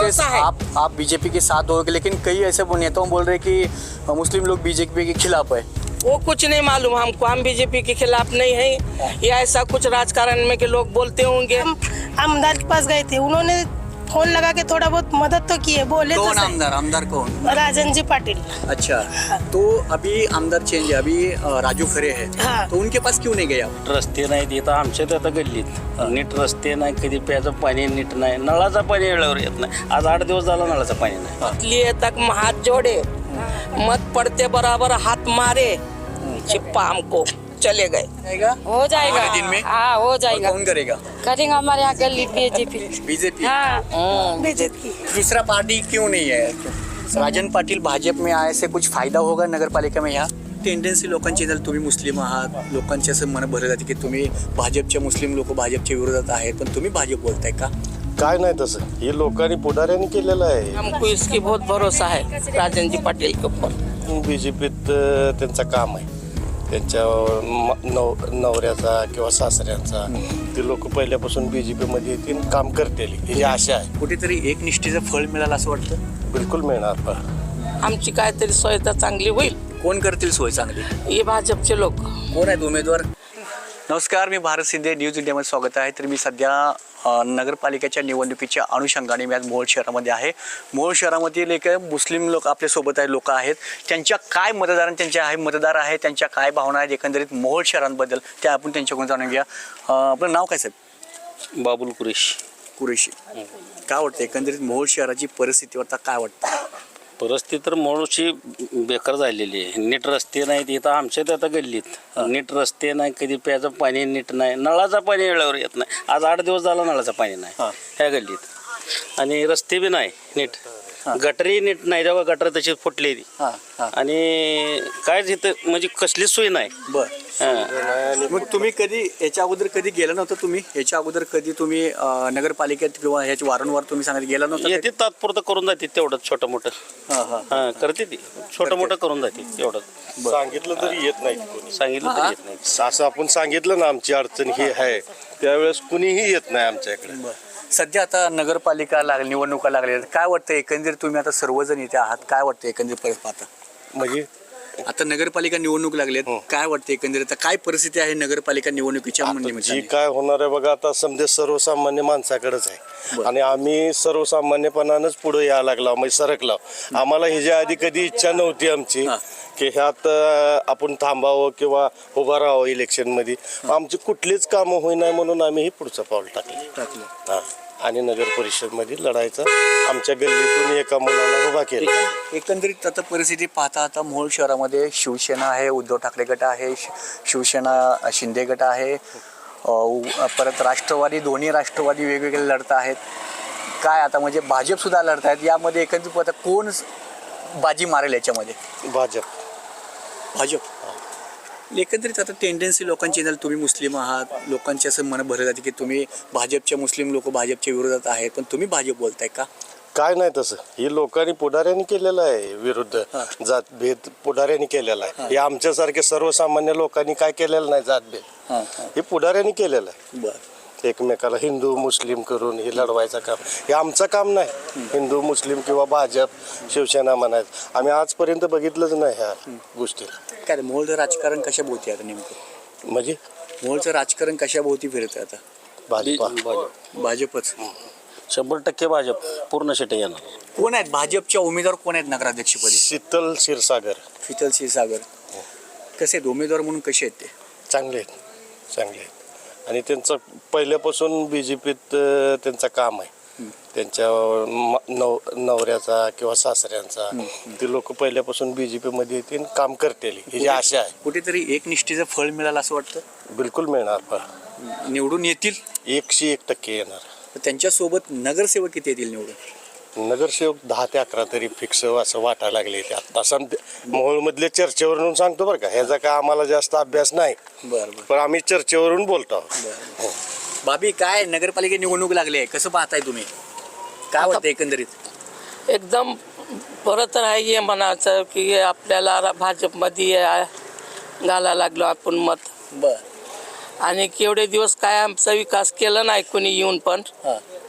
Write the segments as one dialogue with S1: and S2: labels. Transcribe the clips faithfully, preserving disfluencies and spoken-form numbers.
S1: कांग्रेस आप आप बीजेपी के साथ हो, लेकिन कई ऐसे नेताओं बोल रहे कि मुस्लिम लोग बीजेपी के खिलाफ है।
S2: वो कुछ नहीं मालूम हमको, हम बीजेपी के खिलाफ नहीं है या ऐसा कुछ राजकारण में के लोग बोलते होंगे।
S3: हम आमदार के पास गए थे, उन्होंने फोन लगा के थोड़ा बहुत मदद तो किए, बोले तो
S1: कौन आमदार आमदार कौन?
S3: राजन जी पाटिल।
S1: अच्छा, तो अभी आमदार चेंज है, अभी अ, राजू खरे है,
S3: हाँ।
S1: तो उनके पास क्यों नहीं गए आप?
S4: रस्ते नाहीत इथं आमच्या आता गल्लीत नीट रस्ते नाही, कधी प्यायचं पाणी नीट नाही, नळाचं पाणी वेळेवर येत नाही। आज आठ दिवस झाला नळाचं पाणी नाही।
S2: इसलिए तक हाथ जोड़े, मत पड़ते बराबर हाथ मारे, छिप्पा हमको चले गए।
S1: जाएगा
S5: हो जाएगा
S1: हमारे दिन में?
S5: हाँ हो
S1: और
S5: जाएगा,
S1: कौन करेगा?
S5: करेंगे हमारे यहाँ गली बीजेपी।
S1: बीजेपी।
S5: हाँ
S3: बीजेपी
S1: दूसरा पार्टी क्यों नहीं है? राजन पाटील भाजप में आए से कुछ फायदा होगा नगर पालिका में? यहाँ टेंडन्सी लोकांची जर तुम्ही मुस्लिम आहात, लोकांचे असं मन भरलं जाते की तुम्ही भाजपच्या मुस्लिम लोक भाजपच्या विरोधात आहेत, पण तुम्ही भाजप बोलताय का?
S6: काय नाही तसं, हे लोकांनी पुढाऱ्यांनी केलेलं आहे।
S2: हमको इसकी बहुत भरोसा है राजन जी पाटिल के ऊपर।
S6: बीजेपीत त्यांचं काम आहे, त्यांच्या म- नव नवऱ्याचा किंवा सासऱ्यांचा, ते लोक पहिल्यापासून बीजेपी मध्ये येतील, काम करतील ही आशा आहे।
S1: कुठेतरी एक निष्ठेचं फळ मिळालं असं वाटतं?
S6: बिलकुल मिळणार पण
S2: आमची काहीतरी सोयता चांगली होईल।
S1: कोण करतील सोय चांगली?
S2: हे भाजपचे लोक।
S1: कोण आहेत उमेदवार? नमस्कार, मी भारत शिंदे, न्यूज इंडियामध्ये स्वागत आहे। तर मी सध्या अ, नगरपालिकेच्या निवडणुकीच्या अनुषंगाने मी आज मोहोळ शहरामध्ये आहे। मोहोळ शहरामधील एक मुस्लिम लोक आपल्यासोबत आहे, लोक आहेत, त्यांच्या काय मतदार त्यांच्या आहे मतदार आहे त्यांच्या काय भावना आहेत एकंदरीत मोहोळ शहरांबद्दल, त्या आपण त्यांच्याकडून जाणून घ्या। अ, आपलं नाव काय साहेब?
S4: बाबुल कुरेश।
S1: कुरेशी। काय वाटतं एकंदरीत मोहोळ शहराची परिस्थिती आता काय वाटतं?
S4: परिस्थिती तर मोळची बेकार झालेली आहे। नीट रस्ते नाहीत इथं आमच्या आता गल्लीत, नीट रस्ते नाही, कधी प्यायचं पाणी नीट नाही, नळाचं पाणी वेळेवर येत नाही। आज आठ दिवस झाला नळाचं पाणी नाही ह्या गल्लीत, आणि रस्ते बी नाही नीट, गटरी नीट नाही, जेव्हा गटर तशी फुटली ती, आणि कायच इथं म्हणजे कसलीच सोय नाही।
S1: बरं,
S4: हां
S1: मग तुम्ही कधी याच्या अगोदर कधी गेला नव्हतं? तुम्ही याच्या अगोदर कधी तुम्ही अ, नगरपालिकेत किंवा ह्याची वारंवार तुम्ही सांगत गेला नव्हता?
S4: येते तात्पुरतं करून जाते तेवढं छोटं मोठं,
S1: हां हां
S4: हां करते ती छोटं मोठं करून जाते तेवढं।
S6: सांगितलं तरी येत नाही कोणी,
S4: सांगितलं तरी येत नाही।
S6: असं आपण सांगितलं ना आमची अडचण ही आहे, त्यावेळेस कुणीही येत नाही आमच्याकडे।
S1: सध्या आता नगरपालिका लागली, निवडणुका लागल्या, काय वाटतं एकंदरीत तुम्ही आता सर्वजण इथे आहात, काय वाटतं एकंदरीत परत पाहता?
S6: म्हणजे
S1: आता नगरपालिका निवडणूक लागल्यात, काय वाटतं एकंदरीत आता काय परिस्थिती आहे नगरपालिका निवडणुकीच्या
S6: जी
S1: निमित्ताने?
S6: काय होणार आहे बघा, आता समजे सर्वसामान्य माणसाकडेच आहे, आणि आम्ही सर्वसामान्यपणानंच पुढे यायला लागलो, म्हणजे सरकलो। आम्हाला ह्याच्या आधी कधी इच्छा नव्हती आमची की ह्यात अं, आपण थांबावं किंवा उभं राहावं इलेक्शनमध्ये। आमची कुठलीच कामं होईना म्हणून आम्ही हे पुढचं पाऊल टाकलं
S1: टाकलं
S6: हां, आणि नगर परिषदमध्ये लढायचं आमच्या गल्लीतून एका मुलाला उभा केला।
S1: एकंदरीत आता परिस्थिती पाहता आता मोहोळ शहरामध्ये शिवसेना आहे, उद्धव ठाकरे गट आहे, शि- शिवसेना शिंदे गट आहे, अ, उ- परत राष्ट्रवादी, दोन्ही राष्ट्रवादी वेगवेगळे लढत आहेत। काय आता म्हणजे भाजप सुद्धा लढत आहेत, यामध्ये एकंदरीत आता कोण बाजी मारेल याच्यामध्ये?
S6: भाजप
S1: भाजप। एकंदरीत आता टेंडन्सी लोकांची जर तुम्ही मुस्लिम आहात, लोकांचे असं मन भरलं जाते की तुम्ही भाजपच्या मुस्लिम लोक भाजपच्या विरोधात आहेत, पण तुम्ही भाजप बोलताय का?
S6: काय नाही तसं, हे लोकांनी पुढाऱ्यांनी केलेलं आहे, विरुद्ध जातभेद पुढाऱ्यांनी केलेला आहे। हे आमच्यासारखे सर्वसामान्य लोकांनी काय केलेलं नाही, जातभेद हे पुढाऱ्यांनी केलेलं आहे।
S1: बरं,
S6: एकमेकाला हिंदू मुस्लिम करून हे लढवायचं काम हे आमचं काम नाही। हिंदू मुस्लिम किंवा भाजप शिवसेना म्हणायचं आम्ही आजपर्यंत बघितलंच नाही ह्या गोष्टीला।
S1: काय मोहोळचं राजकारण कशा भोवती आता नेमकं?
S6: म्हणजे
S1: मोहोळचं राजकारण कशा भोवती फिरतं आता?
S6: भाजपा
S4: भाजप
S1: भाजपच।
S4: शंभर टक्के भाजप पूर्ण शिटे येणार।
S1: कोण आहेत भाजपच्या उमेदवार, कोण आहेत नगराध्यक्षपदी?
S6: शीतल क्षीरसागर
S1: शीतल क्षीरसागर। कसे आहेत उमेदवार म्हणून, कसे आहेत ते?
S6: चांगले आहेत, चांगले आहेत, आणि त्यांचं पहिल्यापासून बी जे पीत त्यांचं काम आहे, त्यांच्या म- नव नवऱ्याचा किंवा सासऱ्यांचा, ते लोक पहिल्यापासून बी जे पीमध्ये येतील, काम करतील ही आशा आहे।
S1: कुठेतरी एक निष्ठेचं फळ मिळालं असं वाटतं?
S6: बिलकुल मिळणार, पण
S1: निवडून येतील
S6: एकशे एक टक्के येणार।
S1: त्यांच्यासोबत नगरसेवक किती येतील निवडून?
S6: नगरसेवक दहा ते अकरा तरी फिक्स असं वाटायला लागले ते आता सध्या मोहोळमधल्या चर्चेवरून सांगतो बरं का, ह्याचा काय आम्हाला जास्त अभ्यास नाही,
S1: बरं बरं
S6: पण आम्ही चर्चेवरून बोलतो आहोत।
S1: बरं। बाबी, काय नगरपालिका निवडणूक लागली आहे, कसं पाहताय तुम्ही? काय वाटतं एकंदरीत?
S2: एकदम परत राहायचे म्हणायचं की आपल्याला भाजपमध्ये घालायला लागलो आपण मत,
S1: बरं,
S2: आणि केवढे दिवस काय आमचा विकास केला नाही कोणी येऊन, पण
S1: हां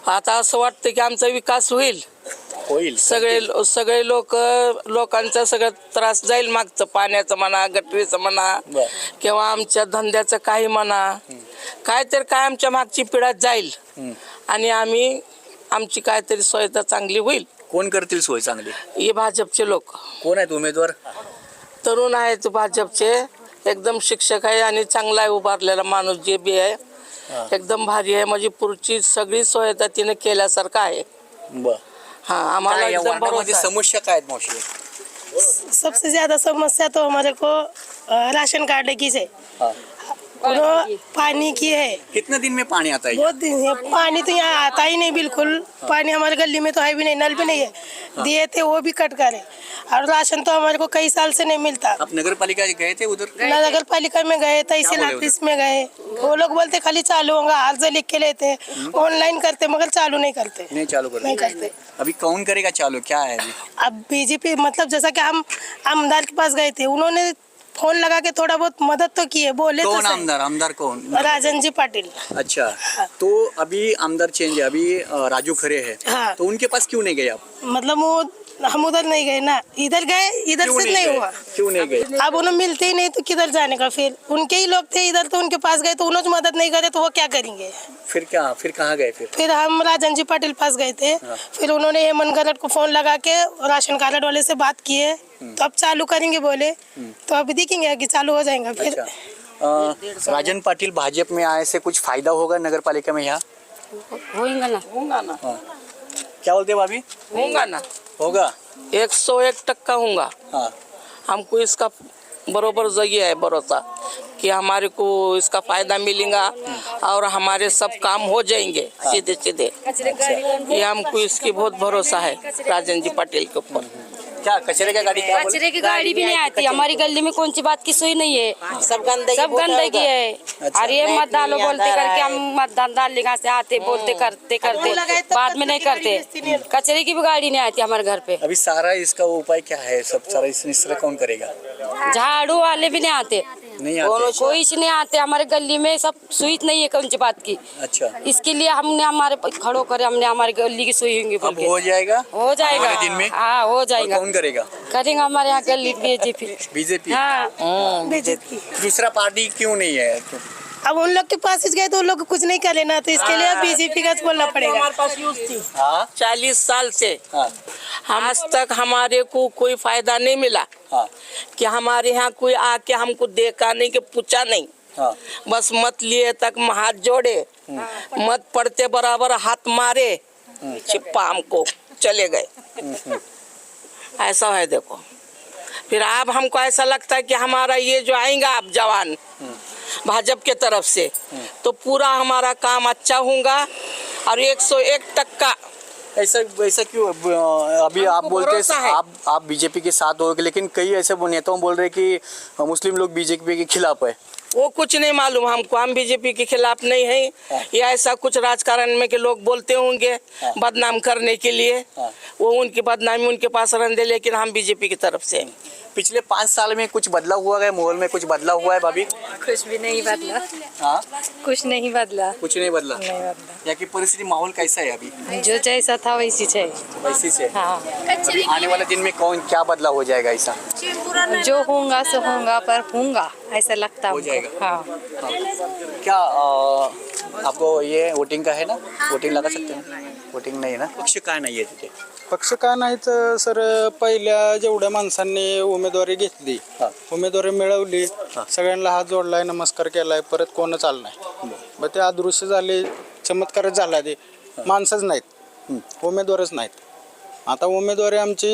S2: आता असं वाटतं की आमचा विकास होईल.
S1: होईल
S2: सगळे सगळे लोक लोकांचा सगळं त्रास जाईल. मागचं पाण्याचं म्हणा, गटरीचं म्हणा,
S1: बर.
S2: किंवा आमच्या धंद्याचं काही म्हणा, काय तर काय आमच्या मागची पिढा जाईल आणि आम्ही आमची काहीतरी सोयता चांगली होईल.
S1: कोण करतील सोय चांगली?
S2: हे भाजपचे लोक
S1: कोण आहेत उमेदवार?
S2: तरुण आहेत भाजपचे, एकदम शिक्षक आहे आणि चांगला आहे उभारलेला माणूस जे बी आहे, एकदम भारी आहे. म्हणजे पुढची सगळी सोयता तिने केल्यासारखं आहे.
S1: बर.
S2: हा, आम्हाला
S1: काय या
S2: एकदम
S1: वार्डामध्ये
S2: भरोसा आहे.
S1: समस्या काय आहेत मावशी?
S3: सबसे ज्यादा समस्या तो हमारे को अ, राशन कार्ड की है,
S1: हाँ।
S3: और पानी की है।
S1: कितने दिन में पानी आता है?
S3: बहुत दिन है, पानी तो यहाँ आता ही नहीं बिल्कुल। पानी हमारे गली में तो है भी नहीं, नल भी नहीं है, दिए थे वो भी कट करे, और राशन तो हमारे को कई साल से नहीं मिलता।
S1: आप नगर पालिका गए थे उधर?
S3: नगर पालिका में गए, तहसील
S1: बोले
S3: ऑफिस में गए, वो लोग बोलते खाली चालू होगा, अर्ज लिख के लेते, ऑनलाइन करते मगर चालू नहीं करते।
S1: नहीं चालू कर
S3: नहीं करते।
S1: अभी कौन करेगा चालू? क्या है अभी?
S3: अब बीजेपी मतलब जैसा कि हम आमदार के पास गए थे, उन्होंने फोन लगा के थोड़ा बहुत मदद तो की है, बोले तो
S1: कौन
S3: सही।
S1: आमदार? आमदार कौन?
S3: राजन जी पाटिल।
S1: अच्छा, तो अभी आमदार चेंज है, अभी अ, राजू खरे है,
S3: हाँ।
S1: तो उनके पास क्यों नहीं गए आप?
S3: मतलब वो हम उधर नहीं गए ना, इधर गए, इधर
S1: क्यों
S3: से नहीं
S1: गए?
S3: हुआ।
S1: क्यों नहीं गए?
S3: अब उन्हें मिलते ही नहीं तो किधर जाने का, फिर उनके ही लोग थे इधर, तो उनके पास गए तो उन्होंने मदद नहीं करे तो वो क्या करेंगे।
S1: फिर क्या, फिर कहाँ गए फिर?
S3: फिर हम राजन जी पाटिल पास गए थे, फिर उन्होंने हेमंत गरड को फोन लगा के राशन कार्ड वाले से बात किए, तो अब चालू करेंगे बोले, तो अभी देखेंगे कि चालू हो जाएगा फिर।
S1: अच्छा, अ, राजन पाटिल भाजपा में आए से कुछ फायदा होगा नगर पालिका में यहाँ?
S5: होएगा ना।
S2: होगा ना,
S1: क्या बोलते भाभी?
S2: होगा ना,
S1: होगा।
S2: एक सौ एक टक्का होगा।
S1: हाँ।
S2: हमको इसका बरोबर जगह है भरोसा कि हमारे को इसका फायदा मिलेगा और हमारे सब काम हो जाएंगे सीधे सीधे। ये हमको इसकी बहुत भरोसा है राजन जी पाटिल के ऊपर।
S1: क्या कचरे का गाड़ी? क्या बोले?
S5: कचरे की गाड़ी भी नहीं आती हमारी गली में, कौन सी बात की सुई नहीं है,
S2: सब गंदगी
S5: सब गंदगी है।
S1: अच्छा।
S5: और ये मत डालो बोलते करके हम मतदान डाल लेगा से आते बोलते करते करते बाद में नहीं करते। कचरे की भी गाड़ी नहीं आती हमारे घर पे।
S1: अभी सारा इसका उपाय क्या है? सब सारा इस इस तरह कौन करेगा?
S5: झाड़ू वाले भी नहीं आते,
S1: नहीं आते।
S5: कोई से नहीं आते हमारे गली में, सब सुई नहीं है कौन सी बात की।
S1: अच्छा,
S5: इसके लिए हमने हमारे खड़ो करे, हमने हमारी गली की सुई होंगी बोल
S1: अब
S5: के।
S1: हो जाएगा?
S5: हो जाएगा
S1: आने वाले दिन में?
S5: हाँ हो
S1: और
S5: जाएगा।
S1: कौन करेगा?
S5: करेंगे हमारे यहाँ गली बीजेपी।
S1: बीजेपी।
S5: हाँ
S3: बीजेपी।
S1: दूसरा पार्टी क्यों नहीं है? तो
S3: अब उन लोग के पास गए तो उन लोग को कुछ नहीं करे ना, तो इसके लिए बीजेपी का बोलना पड़ेगा।
S2: हमारे पास यूज थी
S1: हाँ
S2: चालीस साल से,
S1: हाँ
S2: आज तक हमारे को कोई फायदा नहीं मिला
S1: हाँ
S2: कि हमारे यहाँ कोई आके हमको देखा नहीं कि पूछा नहीं,
S1: हाँ।
S2: बस मत लिए तक हाथ जोड़े, मत पड़ते बराबर हाथ मारे, छिपा हमको चले गए। ऐसा है देखो। फिर अब हमको ऐसा लगता है कि हमारा ये जो आएगा अब जवान भाजपा के तरफ से, तो पूरा हमारा काम अच्छा होगा और एक सौ एक टक्का।
S1: ऐसा ऐसा क्यों? अब- अभी आप
S2: हमको
S1: बोलते
S2: भरोसा है।
S1: हैं आप आप बीजेपी के साथ हो, लेकिन कई ऐसे नेताओं बोल रहे हैं कि मुस्लिम लोग बीजेपी के खिलाफ है।
S2: वो कुछ नहीं मालूम हमको, हम बीजेपी के खिलाफ नहीं है। या ऐसा कुछ राजकारण में के लोग बोलते होंगे बदनाम करने के लिए,
S1: हाँ।
S2: वो उनकी बदनामी उनके पास रहने दे, लेकिन हम बीजेपी की तरफ से हैं।
S1: पिछले पाँच साल में कुछ बदलाव हुआ है माहौल में? कुछ बदलाव हुआ है भाभी?
S5: कुछ भी नहीं बदला,
S1: हाँ,
S5: कुछ नहीं बदला,
S1: कुछ नहीं बदला।
S5: नहीं बदला।
S1: यहाँ की परिस्थिति माहौल कैसा है अभी?
S5: जो जैसा था वैसी है।
S1: वैसी से
S5: हाँ
S1: अभी आने वाले दिन में कौन क्या बदलाव हो जाएगा ऐसा?
S5: जो होगा सो होगा, पर होगा ऐसा लगता
S1: हो
S5: हमको।
S1: जाएगा।
S5: हाँ
S1: हाँ। क्या अ, आपको ये वोटिंग का है ना? वोटिंग लगा सकते हैं? वोटिंग नाही ना? पक्ष काय नाही आहे तिथे?
S7: पक्ष का नाही तर सर, पहिल्या जेवढ्या माणसांनी उमेदवारी घेतली,
S1: हा.
S7: उमेदवारी मिळवली,
S1: हा.
S7: सगळ्यांना हात जोडलाय, नमस्कार केलाय, परत कोणच आलं नाही. मग ते अदृश्य झाले, चमत्कारच झाला. ते माणसंच नाहीत, उमेदवारच नाहीत. आता उमेदवारी आमची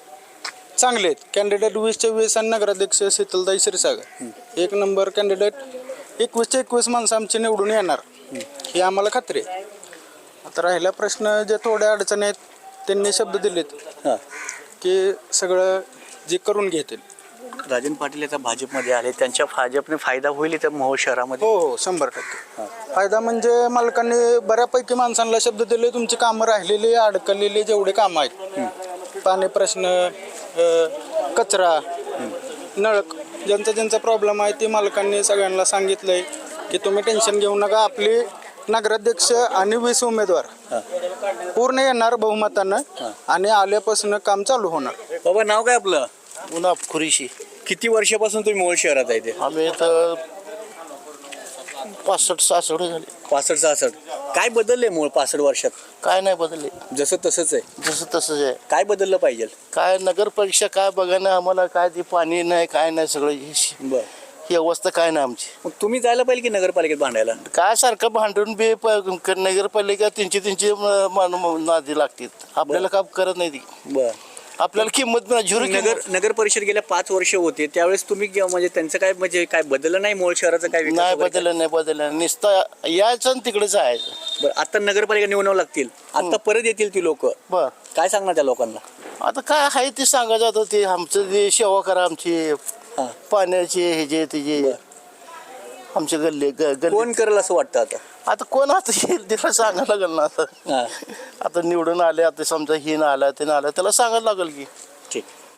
S7: चांगले आहेत. कॅन्डिडेट वीसच्या वीस आणि नगराध्यक्ष शीतलताई क्षीरसागर एक नंबर कॅन्डिडेट. एकवीसच्या एकवीस माणसं आमची निवडून येणार ही आम्हाला खात्री आहे. आता राहिला प्रश्न, जे थोड्या अडचणी आहेत त्यांनी शब्द दिलेत
S1: हां.
S7: की सगळं जे करून घेतील.
S1: राजन पाटील आता भाजपमध्ये आले, त्यांच्या भाजपने फायदा होईल इथं मोहोळ शहरामध्ये?
S7: हो हो शंभर टक्के फायदा. म्हणजे मालकांनी बऱ्यापैकी माणसांना शब्द दिले, तुमची कामं राहिलेली अडकलेली जेवढे कामं आहेत, पाणी प्रश्न, अ, कचरा, नळ, ज्यांचा ज्यांचा प्रॉब्लेम आहे ते मालकांनी सगळ्यांना सांगितलंय की तुम्ही टेन्शन घेऊ नका, आपली नगराध्यक्ष आणि वीस उमेदवार पूर्ण येणार बहुमतानं आणि आल्यापासून काम चालू होणार.
S1: बाबा नाव काय आपलं?
S8: उन्हाप खुरीशी.
S1: किती वर्षापासून तुम्ही मोहोळ शहरात आहे ते?
S8: आम्ही इथं पासष्ट सहासष्ट झाले.
S1: पासष्ट सहासष्ट. काय बदललंय मोहोळ पासष्ट वर्षात?
S8: काय नाही बदलले,
S1: जसं तसंच आहे.
S8: जसं तसंच आहे.
S1: काय बदललं पाहिजे?
S8: काय नगर परीक्षा काय बघा ना, आम्हाला काय ते पाणी नाही काय नाही, सगळं ही
S1: बर
S8: ही अवस्था काय नाही आमची.
S1: मग तुम्ही जायला पाहिजे की नगरपालिकेत भांडायला?
S8: काय सारखं भांडून बी प- नगरपालिका त्यांची त्यांची म- मान- नादी लागतात, आपल्याला काम करत नाही ती.
S1: बर
S8: आपल्याला किंमत नाही, झिरो
S1: नगर
S8: किंमत.
S1: नगर परिषद गेल्या पाच वर्ष होते त्यावेळेस तुम्ही गे- म्हणजे त्यांचं काय म्हणजे काय बदललं नाही मोहोळ शहराचं काय विकास
S8: नाही
S1: वगैरे?
S8: बदललं नाही बदललं नुसतं यायचं आणि तिकडे जायचं.
S1: बरं आता नगरपालिका निवडावं लागतील, आता परत येतील ती लोक,
S8: बर
S1: काय सांगणार त्या लोकांना?
S8: आता काय आहे ते सांगायचं, आता ते आमचं जे सेवा करा आमची
S1: हा.
S8: पाण्याची हे जे तिचे आमचे गल्ले ग- गल्ले
S1: कोण करेल असं वाटतं आता?
S8: आता कोण आता येईल तिला सांगायला लागेल ना. आता
S1: हा.
S8: आता निवडून आले, आता समजा ही ना आला ते ना आला, त्याला सांगायला लागेल की.
S1: ठीक.